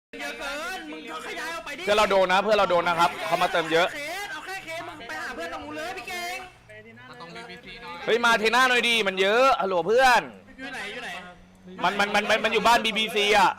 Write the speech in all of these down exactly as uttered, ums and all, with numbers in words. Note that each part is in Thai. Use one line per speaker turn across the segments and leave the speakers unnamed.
เยอะเกินมึงขยายออกไปดิ
เพื่อนเราโดนนะเพื่อนเราโดนนะครับเขามาเติมเยอะ
เอาแค่เคสมึงไปหาเพื่อนตรงนู้นเลยพี่เก่ง
เฮ้ยมาเทน่าหน่อยดีมันเยอะฮัลโหลเพื่อน
อยู่ไหนอยู่ไหน
มันมันมันมันอยู่บ้าน บี บี ซี อ่ะ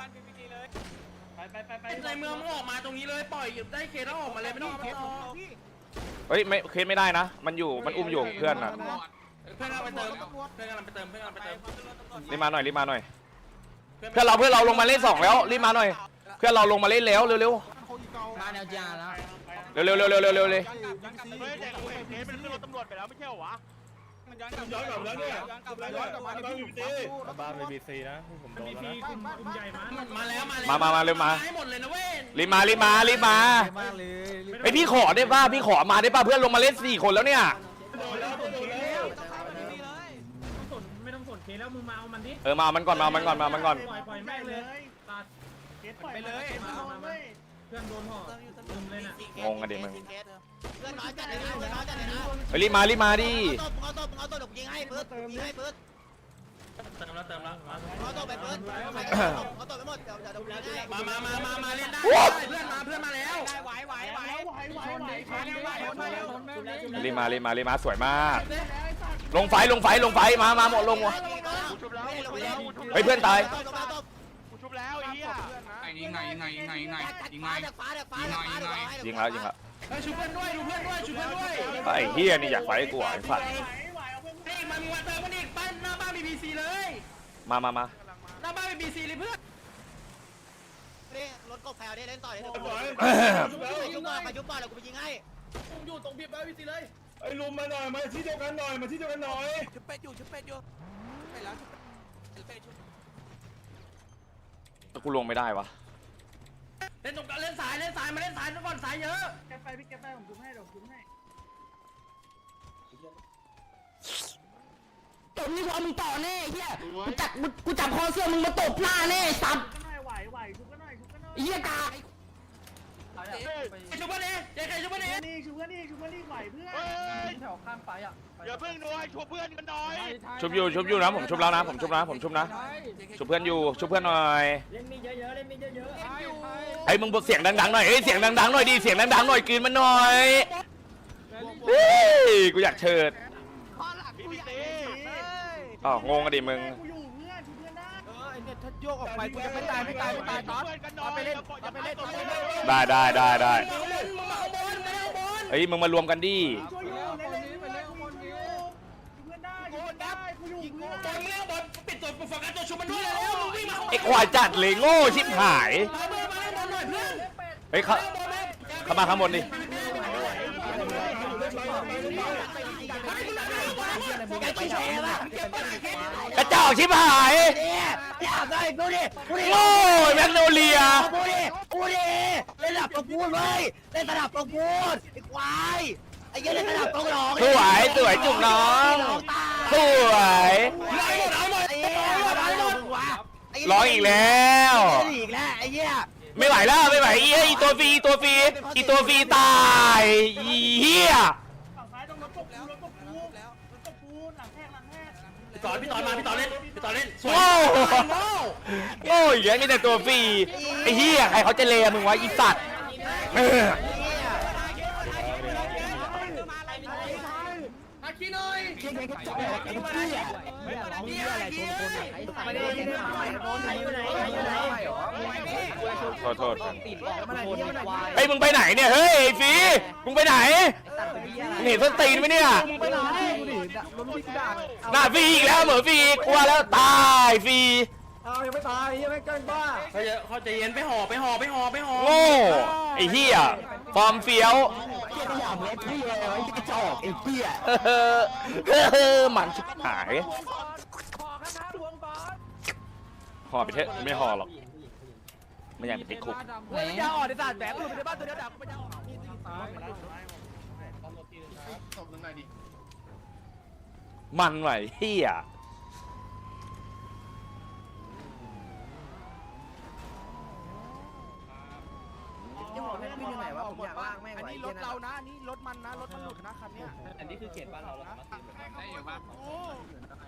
ในเมืองมึงออกมาตรงนี้เลยปล่อยได้เคสแล้วออกมาเลยไม่ต้องเอาไปต่อ
เฮ้ยไม่เคสไม่ได้นะมันอยู่มันอุ้มอยู่เพื่อนอ่ะ
เพื่อนเราไปเติมเพื่อนกำลังไปเติมเพื่อนกำลังไปเติม
รีบมาหน่อยรีบมาหน่อยเพื่อนเราเพื่อนเราลงมาเล่นสองแล้วรีบมาหน่อยเพื่อนเราลงมาเล่นแล้วเร็วเร็ว
มาแนวจาแล้ว
เร็วเร็วเร็วเร็วเร็วเร็วเลย
เฮ้ยแต่เคสเป็นขึ้นรถตำรวจไปแล้วไม่ใช่เหรอวะ
ย้อนกลับแล้วเนี่ยย้อนกลับมาที่บีบีซี
บ้านบีบีซีนะผมโดนแล้วนะ
มาแล้วมาแล้ว
มามามาเร็วมา
ให้หมดเลยนะเว้ย
รีบมารีบมารีบมาไอพี่ขอได้ป่ะพี่ขอมาได้ป่ะเพื่อนลงมาเล่นสี่คนแล้วเนี่ย
โดนแล้วโดนแล้ว
ไม่ต้องสนเคสแล้วมึงมาเอามันดิ
เออมามันก่อนมามันก่อนมามันก่อน
ปล่อยปล่อยแม่งเลยตัด
เคสปล่อยไปเลย
มามามาเพื่อนโดนห่อลุมเลยน่ะ
งงกันดิมึง
เพื่อนน้อยจัดเลยนะเพื่อนน้อยจัดเลยนะ
เฮ้ยรีบมารีบมาดิ
เอาตบเอาตบเอาตบยิงให้เปิดยิงให้เปิด
เติมแล้วเติมแล้ว
เอาตบไปเปิดเอาตบไปหมดเดี๋ยวเดี๋ยวยิงให้
มามามามามาเล่นได้เพื่อนมาเพื่อนมาแล้ว
ไหวไหวไหว
ไหวไหวไหวไหวไหวไหว
รีบมารีบมารีบมาสวยมาก ลงไฟลงไฟลงไฟมามาหมดลงวะ
กูชุบแล้วกูชุบแล้ว
เฮ้ยเพื่อนตาย
กูชุบแล้วไอ้เหี้ย
ยิงไงยิงไงยิงไงยิงไงยิงไง
จากฟ้าจากฟ้าจากฟ้า
ยิงแล้วยิงแล้ว
เฮ้ยชูเพื่อนด้วยดูเพื่อนด้วยชูเพื่อนด้วย
ไอ้เฮียนี่อยากไฟกูไอ้สัตว์
ไอ้มามีวันเติมมันอีกบ้านหน้าบ้านบีบีซีเลย
มามามา
หน้าบ้านบีบีซีเลยเพื่อน
นี่รถกบแพลวได้เล่นต่อเลย
ไหว
ยุบก่อนมายุบก่อนเดี๋ยวกูไปยิงให้
อยู่ตรงบีบีซีเลย
ไอ้ลุมมาหน่อยมาที่เดียวกันหน่อยมาที่เดียวกันหน่อย
ชุบเป็ดอยู่ชุบเป็ดอยู่ไปแล้วชุบเป็ดชุบ
กูลงไม่ได้วะ
เล่นตรงกลางเล่นสายเล่นสายมาเล่นสายก่อนสายเยอะ
แกไปพี่แกไปผมจุ๊บให้เดี๋ยวจุ๊บให้
ตบนี่พอมึงต่อแน่เฮียกูจับกูจับคอเสื้อมึงมาตบหน้าแน่สัตว์
ก็หน่อยไหวไหวจุ๊บก็หน่อยจุ๊บก็หน่อย
เฮียกา
ชูเพื่อนเองเจ๊ใครชูเพื่อนเอง
นี่จุ๊บก็นี่จุ๊บก็นี่ไหวเพื่อน
เฮ้ยแถวข้างไปอ่ะอย่าเพิ่งหน่อยชุบเพื่อนกันหน่อย
ชุบอยู่ชุบอยู่นะผมชุบแล้วนะผมชุบนะผมชุบนะชุบเพื่อนอยู่ชุบเพื่อนหน่อย
เล่นมีเยอะๆเล่นมีเยอะๆ
ไอ้มึงบอกเสียงดังๆหน่อยเอ้ยเสียงดังๆหน่อยดิเสียงดังๆหน่อยกลืนมันหน่อยเฮ้ยกูอยากเชิด
บีบีซี
อ๋องงกันดิมึง
กูอยู่เพื่อนจุ๊บเพื่อนได้
เออไอ้เนี่ยถ้าโยกออกไปกูจะไม่ตายไม่ตายไม่ตายตอนเอาไปเล่นเอาไปเล่นเอาไปเล่น
ได้ได้ได้ได้
มึงมาข้างบนมาข้างบน
เฮ้ยมึงมารวมกันดิ
ช่วยอยู่เล่นเล่นเพื่อนกูอยู่จุ๊บเพื่อนได้จุ๊บเพื่อนได้กูอยู่เพื่อน
บอลมึงเล่นบอลปิดตัวโฟกัสตัวชูมันด้วยแล้วมึงวิ่งมาข้างบน
ไอ้ควายจัดเลยโง่ชิบหาย
มาเพื่อนมาเล่นบอลหน่อยเพื่อน
เฮ้ยเขาเขามาข้างบนดิ
ไปแชร์ป่ะ
กระจอกชิบหาย
เนี่ยอยากได้กูดิกูดิ
โง่แมกโนเลีย
กูดิกูดิเล่นระดับประกูลเว้ยเล่นระดับประกูลไอ้ควายไอ้เหี้ยเล่นระดับประกูลหรอ
สวยสวยจุกน้องสวย
ร้อยหมดเอาหมด
ไอ้เหี้ยร้อยหมดวะ
ร้องอีกแล้ว
อีกแล้วไอ้เหี้ย
ไม่ไหวแล้วไม่ไหวอีอีตัวฟรีตัวฟรีอีตัวฟรีตายอีเหี้ย
ฝั่งซ้ายต้องรถตบกูรถตบกูรถตบกูหลังแทกหลังแทก
พี่ต่อพี่ต่อมาพี่ต่อเล่นพี่ต่อเล่นสวย
โง่
โง่
โง่อีกแล้วมีแต่ตัวฟรีไอ้เหี้ยใครเขาจะเลมึงวะอีสัตว์เออ
อาคีหน่อย
โทษโทษไอ้ยมึงไปไหนเนี่ยเฮ้ยไอ้ฟรีมึงไปไหนมึงเห็นส้นตีนไหมเนี่ยหน้าฟรีอีกแล้วเหมือนฟรีกลัวแล้วตายฟรี
เขาจะเขาจะเย็นไปห่อไปห่อไปห่อไปห่อ
โง่ไอ้เหี้ยฟอร์มเฟี้ยว
จอกไอ้เฮีย
เออหมันชิบหายห่อไปเถอะไม่ห่อหรอกไม่อยากไปติดคุก
ไม่ยาอ่อนในศาสตร์แหมกูอยู่ในบ้านตัวเดียวดับไม่ยาอ่อน
มันไหวเหี้ย
อันนี้รถเรานะอันนี้รถมันนะรถมันหลุดนะคันเนี้ย
อันนี้คือเขตบ้านเราแล้วได้อยู่ป่ะ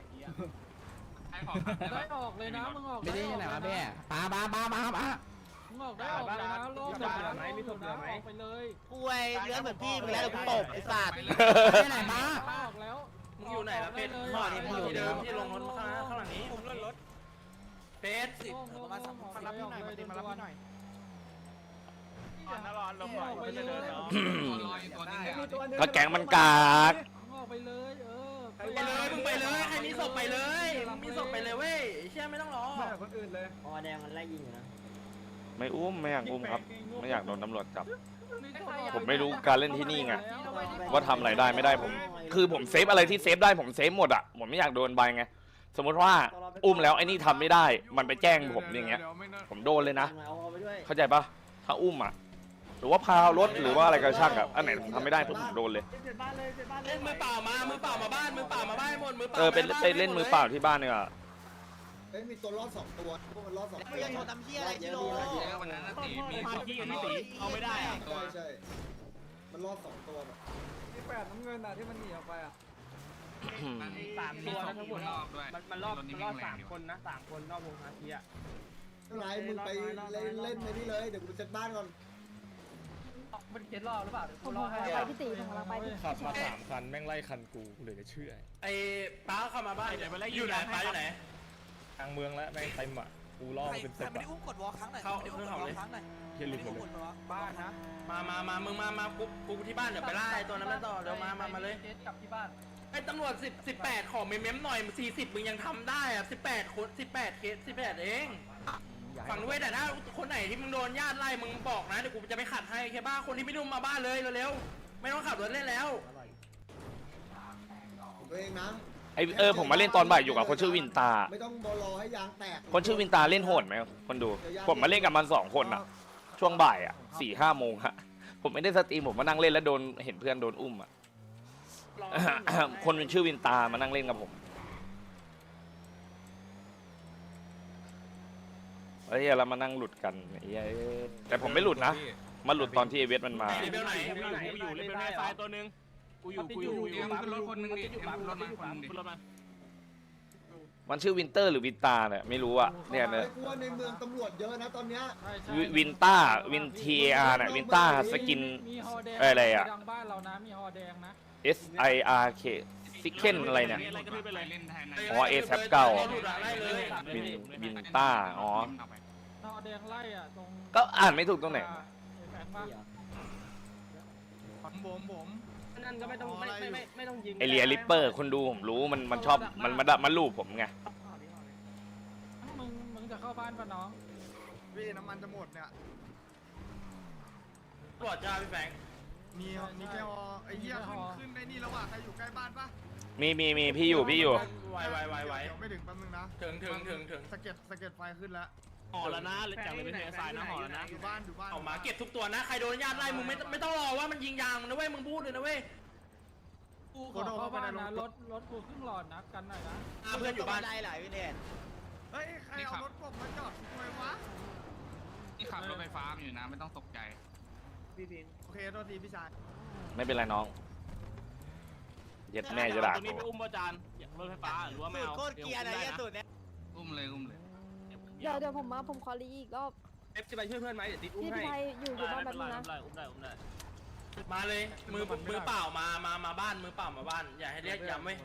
ให้ขอ
ได้ออกเลยนะมึงออก
ไม่ได้ยังไงวะแม่ปาปาปาปาปา
ออกได้ออกเลยนะโลกเหลือไหมมีศพเหลือไหมไปเลย
กูไอ้เนื้อเหมือนพี่มึงแล้วกูตบไอ้สัตว์
ไปไหนมา
ออกแล้ว
มึงอยู่ไหนล่ะเป็ดห่อนี่มึงอยู่ที่เดิมที่ลงรถข้างข้างหลังนี้ผมรถเป็ดสิ
มาสัมภาษณ์พี่หน่อยมาดิมารับพี่หน่อย
นร้อนลงหน่อยไม่เดินเนาะ
ก็แก๊งมันกาก
ออกไปเลยเออ
ไปเลยมึงไปเลยใครมีศพไปเลยมึงมีศพไปเลยเว้ยเชี่ยไม่ต้องรอ
คนอื่นเลย
อ๋อแดงมันไล่ยิงอยู่นะ
ไม่อุ้มไม่อยากอุ้มครับ ไม่อยากโดนตำรวจจับ ผมไม่รู้การเล่นที่นี่ไงว่าทำอะไรได้ไม่ได้ผม คือผมเซฟอะไรที่เซฟได้ผมเซฟหมดอ่ะผมไม่อยากโดนใบไงสมมติว่าอุ้มแล้วไอ้นี่ทำไม่ได้ มันไปแจ้งผมอย่างเงี้ยผมโดนเลยนะ
เอาไปด้วย
เข้าใจปะถ้าอุ้มอ่ะหรือว่าพารถหรือว่าอะไรก็ช่างอ่ะอันไหนผมทำไม่ได้ผมโดนเลย
เล่นมือเปล่ามามือเปล่ามาบ้านมือเปล่ามาบ้านหมดมือเปล่า
เออเป็นไปเล่นมือเปล่าที่บ้านเนี่ย
เอ้ยมีตัวรอดสองตัวพวกมันรอดสอง
กู
ตัว
ยังโดนทำเหี้ยอะไรชิโร่
เยอะวันนั้นนะตีมี
เอาไม่ได้อะ
ใช่ใช่มันรอดสองตัวแบบ
ที่แปดน้ำเงินอ่ะที่มันหนีออกไปอ่ะ
สามตัวนะทั้งหมดรอบด้วย
มันรอบมันรอบสามคนนะสามคนรอบวงฮาทีอ่ะ
ไม่เป็นไรมึงไปเล่นเล่นในนี่เลยเดี๋ยวกูเช็ดบ้านก่อน
มันเคสรอบหรือเปล่า
ผมผมไปพี่ตีผมกำลังไปพี่
ขับมาสามคันแม่งไล่คันกูเหลือจะเชื่อ
ไอ้ป้าเข้ามาบ้านอยู่ไหนป้าอยู่ไหน
ทางเมืองแล้วแม่งเต็มอ่ะกูล่อมาเป็นสิบอ่ะ
เข้าเรื่องเขาเลย
เฮียหลุดหมดเลย
บ้านนะ
มามามามึงมามากูกูที่บ้านเดี๋ยวไปไล่ตัวนั้นต่อเดี๋ยวมามามาเลย
เคสกลับที่บ้าน
ไอ้ตำรวจสิบสิบแปดขอเมมเมมหน่อยสี่สิบมึงยังทำได้อะสิบแปดคนสิบแปดเคสสิบแปดเองฝั่งด้วยแต่ถ้าคนไหนที่มึงโดนญาติไล่มึงบอกนะเดี๋ยวกูจะไปขัดให้แค่บ้าคนที่ไม่รู้มาบ้านเลยเร็วๆไม่ต้องขับรถเล่นแล้ว
ตัวเองนะ
ไอเออผมมาเล่นตอนบ่ายอยู่กับคนชื่อวินตา
ไม่ต้องบอรอให้ยางแตก
คนชื่อวินตาเล่นโหดไหมคนดู ผมมาเล่นกับมันสองคนอ่ะ ช่วงบ่ายอ่ะสี่ห้าโมงฮะผมไม่ได้สตรีมผมมานั่งเล่นแล้วโดนเห็นเพื่อนโดนอุ้มอ่ะ คนเป็นชื่อวินตามานั่งเล่นกับผมไอ้เหี้ยเรามานั่งหลุดกันไอ้เหี้ยแต่ผมไม่หลุดนะมาหลุดตอนที่เอเวสมันมา
เบลไหน
กูอยู่เลเวลไฟตัวนึงกูอยู่กูอยู่
เดี๋ยวขึ้นรถคนนึงดิเดี๋ยวขึ้นรถมาคนนึงดิ
ขึ้นรถมา
มันชื่อวินเตอร์หรือวินตาเนี่ยไม่รู้อ่ะเนี่ยเนี่ย
ไอ้กูว่าในเมืองตำรวจเยอะนะตอนเนี้ย
วิวินต้าวินทีอาร์เนี่ยวินต้าสกิน
มีฮอแดง
อะไรอะ
ดังบ้านเรานะมีฮอแดงนะ
S I R K ซิกเคนอะไรเนี่ย
อะไรก็ไปเล่นแทน
อ๋อ Aแซปเก่า
ไล่เลย
วินวินต้าอ๋อ
ฮอแดงไล่อ่ะตรง
ก็อ่านไม่ถูกตรงไหน
แฝงบ้าน
ผมผมผม
นั่นก็ไม่ต้องไม่ไม่ไม่ไม่ต้องยิง
ไอเรียลิปเปอร์คนดูผมรู้มันมันชอบมันมาดับมาลูบผมไง
มึงมึงจะเข้าบ้านปะน้อง
พี่น้ำมันจะหมดเนี่ย
ตรวจจ้าพี่แบงค์
มีมีแค่ไอ้เหี้ยขึ้นขึ้นในนี่แล้วอ่ะใครอยู่ใกล้บ้านปะ
มีมีมีพี่อยู่พี่อยู่
ไวไวไวไว
เดี๋ยวไม่ถึงแป๊บนึงนะ
ถึงถึงถึงถึง
สะเก็ดสะเก็ดไฟขึ้นแล้ว
ห่อแล้วนะจากเลยเป็นเทสายนะห่อแล้วนะ
อยู่บ้านอยู่บ้าน
เอามาเก็บทุกตัวนะใครโดนญาติไล่มึงไม่ไม่ต้องรอว่ามันยิงยางนะเว้ยมึงพูดเลยนะเว้ย
กูขอเข้าบ้านนะรถรถกูครึ่งหลอดนะกันหน่อยนะ
เพื่อนอยู่บ้าน
ได้หลายวินเดน
เฮ้ยใครเอารถกบมาจอดทำไมวะ
ที่ขับรถไฟฟ้าอยู่นะไม่ต้องตกใจ
โอเคโทษทีพี่ชาย
ไม่เป็นไรน้องเย็ดแม่จะด่า
ตรงนี้ไปอุ้มประจานรถไฟฟ้าหรือว่าไม่เอา
โคตรเกียร์นะเหี้ยสุดเนี่ย
อุ้มเลยอุ้มเลย
เดี๋ยวเดี๋ยวผมมาผมขอรีอีกรอบ
เอฟจะไปช่วยเพื่อนไหมเดี๋ยวติดอุ้ม
พี่
ให้
ไทยอยู่อยู่บ้านแบบนี้นะ
อุ้มได้อุ้มได้
มาเลยมือมือเปล่ามามามาบ้านมือเปล่ามาบ้านอย่าให้เรียกย้ำเว้ย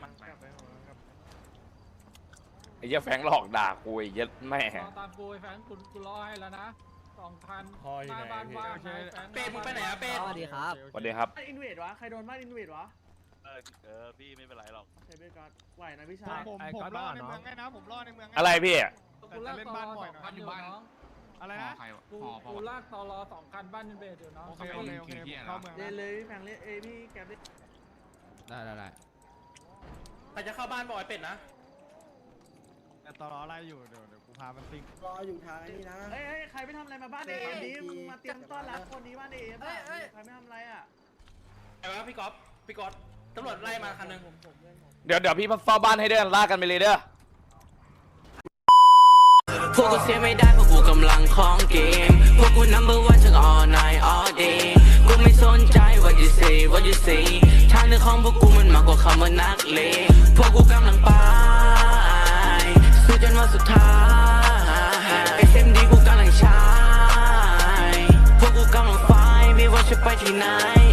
ไอ้เหี้ยแฟงหลอกด่ากูไอ้เหี้ย็ดแม่
รอตามกูไอ้แฟนกูกูรอให้แล้วนะสองพัน
ฮออยู่
ห
ไหน
น้าบ้าน
พี่
ว่างนะแฟน
เป็ดมึงไปไหนอะเป็ด
สวัสดีครับ
สวัสดีครับ
อินเวดวะใครโดนบ้านอินเวดวะ
เออเออพี่ไม่เป็นไรหรอก
ใช้เบกอนไหวนะพี่ชาย
ผมผมรอในเมืองไงนะผมรอในเมืองไง
อะไรพี่
กูลากตอรอสองคันอยู่น้อง
อะไร
ห่อ
นะ
ใคร
กู
ห่อพอ
กูลากตอรอสองคันบ้านอินเวดอยู่น้อง
โอเคโอเคโอเคเข้าเมือง
เล่นเลยพี่แพงเล่นเอ้พี่แกเล่น
ได้ได้ได้
ใครจะเข้าบ้านบอกไอ้เป็ดนะ
แต่ตอนรออะไรอยู่เดี๋ยวเดี๋ยวกูพามันซิ่ง
รออยู่ทางนี้นะ
เอ้ยใครไม่ทำอะไรมาบ้านเอฟดิมึงมาเตรียมต้อนรับคนนี้บ้านเอฟใครไม่ทำอะไรอ่ะ
ไอ้วะพี่ก๊อฟพี่ก๊อฟตำรวจไล่มาคันนึง
เดี๋ยวเดี๋ยวพี่เฝ้าบ้านให้เด้อลากกันไปเลยเด้อ
พวกกูเสียไม่ได้เพราะกูกำลังของเกมพวกกู number one ทั้ง all night all day กูไม่สนใจ what you say what you say ทางเดินของพวกกูมันมากกว่าคำว่านักเลงพวกกูกำลังไปสู้จนวันสุดท้าย เอส เอ็ม ดี กูกำลังใช้จะไปที่ไหน